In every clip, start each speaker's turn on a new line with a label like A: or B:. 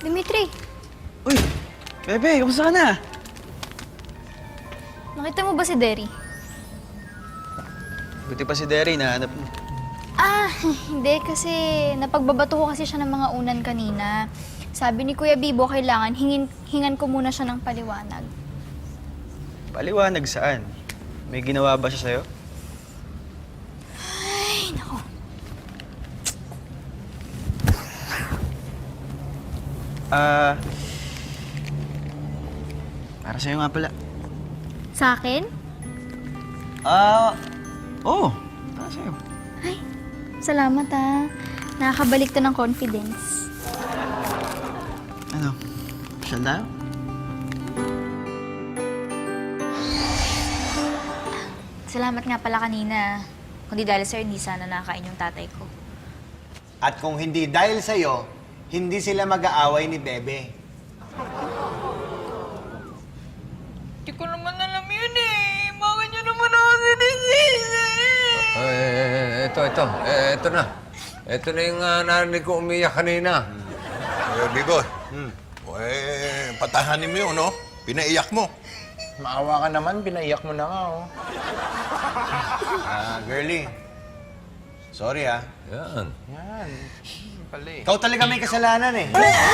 A: Dimitri,
B: Uy! Bebe, kamusta ka na?
A: nakita mo ba si Derry?
B: Buti pa si Derry, nahanap mo.
A: Ah, hindi kasi napagbabato ko kasi siya ng mga unan kanina. Sabi ni Kuya Bibo, kailangan hingan ko muna siya ng paliwanag.
B: Paliwanag saan? May ginawa ba siya sa'yo?
A: Ay, nako.
B: Para sa'yo nga pala.
A: Sa akin?
B: Oo. Para sa'yo.
A: Ay, salamat ah. Nakakabalik to ng confidence.
B: Ano? Pasyal tayo?
A: Salamat nga pala kanina. Kundi dahil sir, hindi sana nakakain yung tatay ko.
C: At kung hindi dahil sa'yo, hindi sila mag-aaway ni Bebe.
D: Hindi ko naman alam yun eh. Bakit nyo naman ako sinisisi?
E: Ito na. Ito na yung narinig ko umiyak kanina.
F: Bigo, patahanin mo yun, no? Pinaiyak mo.
E: Maawa ka naman, pinaiyak mo na nga, oh.
C: Girlie. Sorry ah.
E: Yan.
C: Ikaw talaga may kasalanan eh.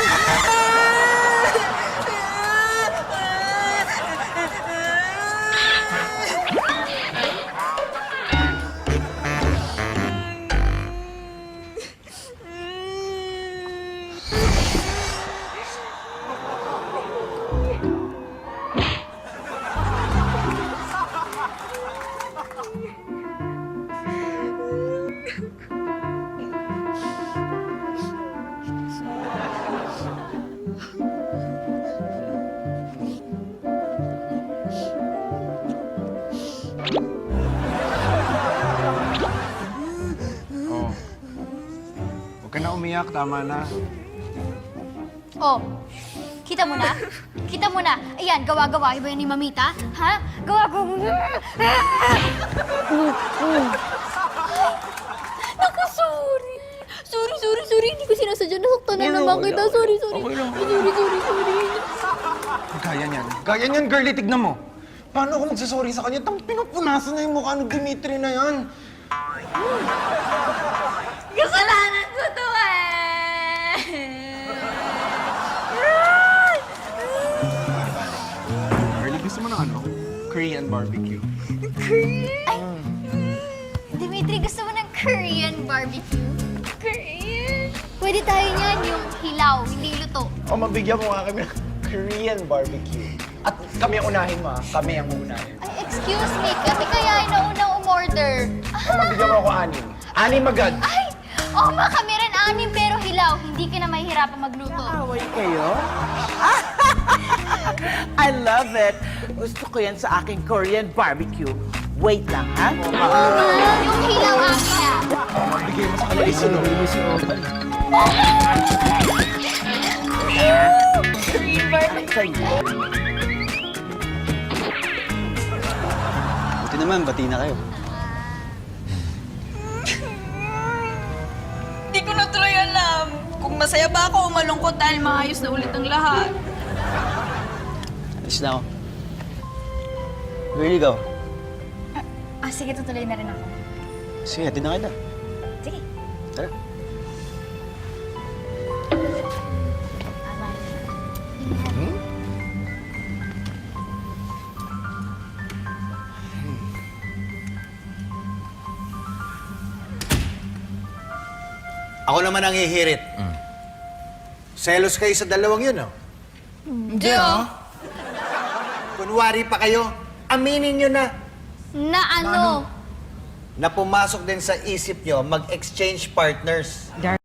E: Huwag ka na umiyak, tama na.
A: Oh, kita mo na? Kita mo na? Ayan, gawa-gawa ba yan ni Mamita? Ha? Gawa-gawa. Naku, sorry. Sorry. Hindi ko sinasadya. Nasaktan na naman kita. Sorry. Sorry.
E: Gaya niyan, girlie, tignan mo. Paano ako magsasorry sa kanya? Pinupunasan na yung mukha ni Dimitri na yan.
A: Kasalanan ko to eh.
E: Girlie, gusto mo ng ano? Korean barbecue.
A: Ay, Dimitri, gusto mo ng Korean barbecue? Korean? Pwede tayo niyan, yung hilaw, hindi luto.
E: O, mabigyan mo nga kami ng Korean barbecue. At kami ang unahin mo, ha? Kami ang uunahin.
A: Ay, excuse me, kami kaya ay naunang umorder.
E: O, mabigyan mo ako 6. 6 agad.
A: Ay, ma, kami rin 6 pero hilaw. Hindi ka na mahihirapan magluto.
G: Away kayo? I love it. Gusto ko yan sa aking Korean barbecue. Wait lang, ha?
A: Oo, ma, yung hilaw akin na.
E: Mabigay mo sa kanila isunod.
G: Sa'yo.
B: Buti naman, bati na kayo.
D: Hindi ko na tuloy alam kung masaya ba ako o malungkot dahil maayos na ulit ang lahat.
B: Alis na ako. Girlie, ikaw.
A: Sige, tutuloy na rin ako.
B: Sige, hatid na kita.
A: Sige.
B: Tara.
C: Ako naman ang hihirit. Selos kayo sa dalawang yun, no?
D: Hindi ah.
C: Kunwari pa kayo, aminin nyo na
A: Na ano?
C: na pumasok din sa isip nyo mag-exchange partners.